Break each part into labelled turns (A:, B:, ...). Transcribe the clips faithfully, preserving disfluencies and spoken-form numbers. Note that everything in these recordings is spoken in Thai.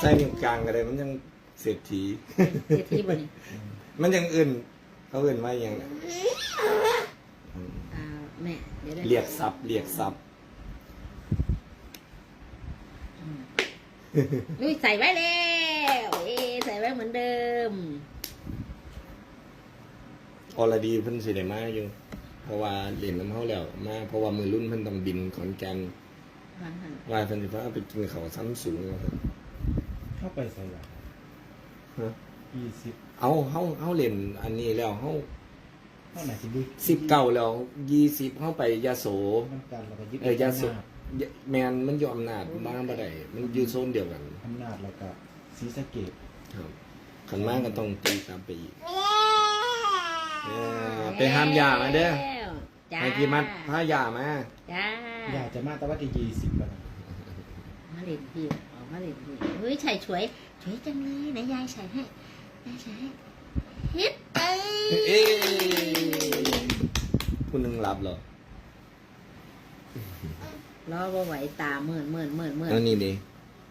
A: ใส่นิ้วกลางก็ได้มันยังเศรษฐี
B: เศรษฐีบ่นี่
A: มันยังอื่นเขาอื่นว่าอย่างไร
B: อ่าแม่เดี๋ยวได้
A: เรียกซับเรียกซับ
B: นุ้ยใส่ไว้แล้วเอ๊ใส่ไว้เหมือนเดิม
A: อรดีเพิ่นสิได้มาอยู่เพราะว่าเล่นน้ำเฮาแล้วมาเพราะว่ามือรุ่นเพิ่นต้องบินขอนแก่น
B: วางหัน
A: ว่าเพิ่นสิพาไปกินข้าวซ้ำสูงว่าซั่น
C: เข้าไปใส่ละ
A: ฮะ
C: ยี่สิบ
A: เอาเฮาเฮาเล่นอันนี้แล้วเฮา
C: เท่าไหร่สิดู
A: สิบเก้าแล้วยี่สิบเฮาไปยโส
C: น้ำกันแล้วก็ยึด
A: เออยาสูบ
C: อำนาจ
A: แมนมันอยู่อำนาจมาบ่ได้มันอยู่โซนเดียวกัน
C: อำนาจแล้วก็ศรีสะเกษ
A: ครับขันมากก็ต้องตีตามไปอีกเออไปห้ามยามาเด้อ
B: จ้า
A: ให้พี่มัดพายามา
B: จ้า
C: อยากจะมาแต่ว่าจะยี่สิบแล้วนะ
B: มาเล่นพี่ออกมาเล่นพี่เฮ้ยใส่ช่วยช่วยจังเลยไหนยายใส่ให้ยายใส่ให้เฮ็ดเอ้ย
A: เอ๊คุณนึงรับเหรอ
B: รอบ่ไหวตาเมื่อนเมื่อนเมื่อนเมื่อน
A: แล้วนี่ดิ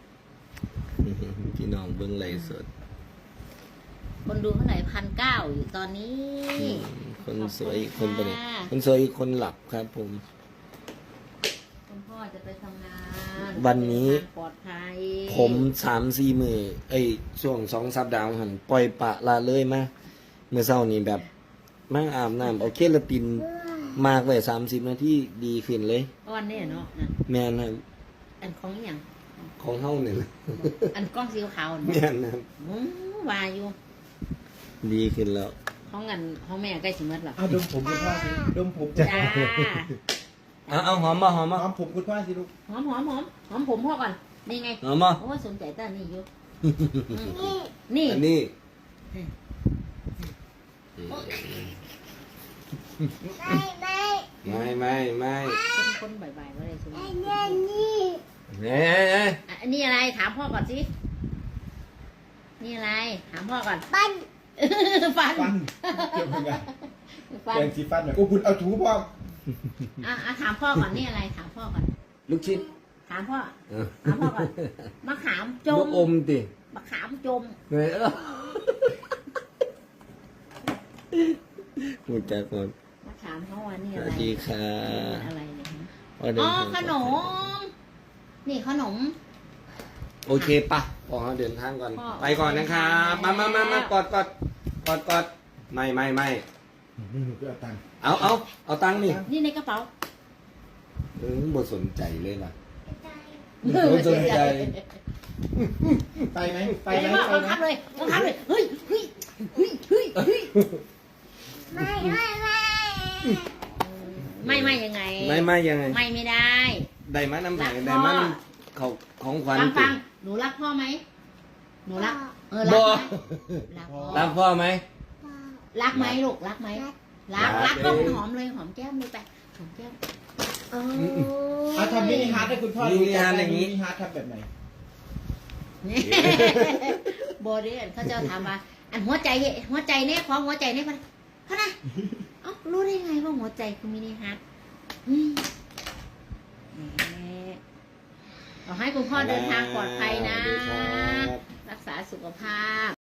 A: พี่น้องเบิ้งไลฟ์สด
B: คนดูเท่าไหร่พันเก้าอยู่ตอนนี้
A: คนสวยอีกคนไปไหนคนสวยอีกคนหลับครับผม
B: คุณพ่อจะไปทำงาน
A: วันนี้
B: เดิทางปลอดภัย
A: ผมสามสี่มือเอ้ยช่วงสองสัปดาห์หันปล่อยปละละเลยมาเมื่อเช้านี้แบบมาอาบน้ำเอาเคลาตินมากไว้สามสิบนาทีดีขึ้นเลย
B: อ้อนเนี่ยเนาะนั่น
A: แม่นครับ
B: อันของอหย่าง
A: ของเฮาเนี่ย
B: อันกล้องสีขาวๆ
A: แม่
B: เนาะ
A: นครับ
B: อืมว่าอยู่
A: ดีขึ้นแล้ว
B: ของกันของแม่ใกล้สิหมดแล้ว
C: เอาดมผมคุณพ่อสิดมผมจะ
B: จ้า
A: เอาเอาหอมมาหอมมา
C: หอมผมคุณพ่อสิลูก
B: หอมหอมหอมหอมผมพ่อก่อนนี่ไง
A: หอมมา
B: โอ้ยสนใจต้านี่อยู่อืมนี่
A: อันนี้
D: ไม่ไม่
A: ไม่ไม่ไม่
B: คนคนบ่ายๆว่าอะไรสน
D: ไอ้เนี่ยนี่
A: เฮ้ยเฮ้ย
B: อ่ะอันนี้อะไรถามพ่อก่อนสินี่อะไรถามพ่อก่อน
D: ปั้น
B: ฟัน
C: ฟันเกี่ยวกับไง
B: ฟัน
C: แปรงสีฟันหน่อยโอ้คุณเอาถูพ่อ
B: อ่ะอ่ะถามพ่อก่อนนี่อะไรถามพ่อก่อน
A: ลูกชิ้น
B: ถามพ่อ
A: เออ
B: ถามพ่อก่อนมะขามจ
A: ลู
B: ม
A: กอมติ
B: มะขามจม
A: เฮ้ยเออพูดจากคน
B: มะขามเขาว่านี่
A: ส
B: อะไร
A: วัสดีค่ะ
B: อะไรเนี่ยฮะ
A: ว่าเดิ
B: อ๋
A: น
B: อ
A: ทาง
B: ขนม นี่ขนม
A: โอเคปะพอเขาเดินทางก่อน
B: พ่อ
A: ไปก่อนนะครับมามามามากอดกอดกอดกอดไม่ไม่ไม่
C: นี่หนูก็เอาตังค์
A: เอาเอาเอาตังค์นี่
B: นี่ในกระเป๋า
A: เออบ่สนใจเลยล่ะ
B: เออ
A: ไม่สนใจ
C: ไปไหมไป
B: ไป
C: ไหม
B: เลย
C: ไป
B: บัง
C: ไหม
B: คับเลยบังคับเลยเฮ้ยเฮ้ยเฮ้ยเฮ้ยเฮ้ย
D: ไม่ไม่ไม่
B: ไม่ไม่ยังไง
A: ไม่ไม่ยังไง
B: ไม่ไม่ได้
A: ได้มาน้ำแข็ง
B: รักพ่อ
A: ได้มาน้ำเขาของขวัญ
B: ฟัง
A: ติ
B: ฟังหนูรักพ่อไหมหนูรัก เออรั
A: บ่
B: กไหมรักพ่อ
A: รักพ่อไหม
B: รักไหมลูกรักไหมรัก
A: รั
B: รั
A: ก
B: กต้อง
A: เอ้ย
B: หอมเลยหอมแก้มเลยไปหอมแก้มเออ
C: เอาทำมินิฮาร์ดให้คุณพ่อดู
A: มินิฮาร์ทอย่างนี้
C: มินิฮาร์ดทำแบบไหน
B: โบเดียนเขาจะถามว่าอันหัวใจหัวใจเนี่ยของหัวใจเนี่ยเขาเขานะเอ้ารู้ได้ไงว่าหัวใจคือมินิฮาร์ทอืมแหมขอให้คุณพ่อเดินทางปลอดภัยนะ
A: สวัสดีครับ
B: รักษาสุขภาพ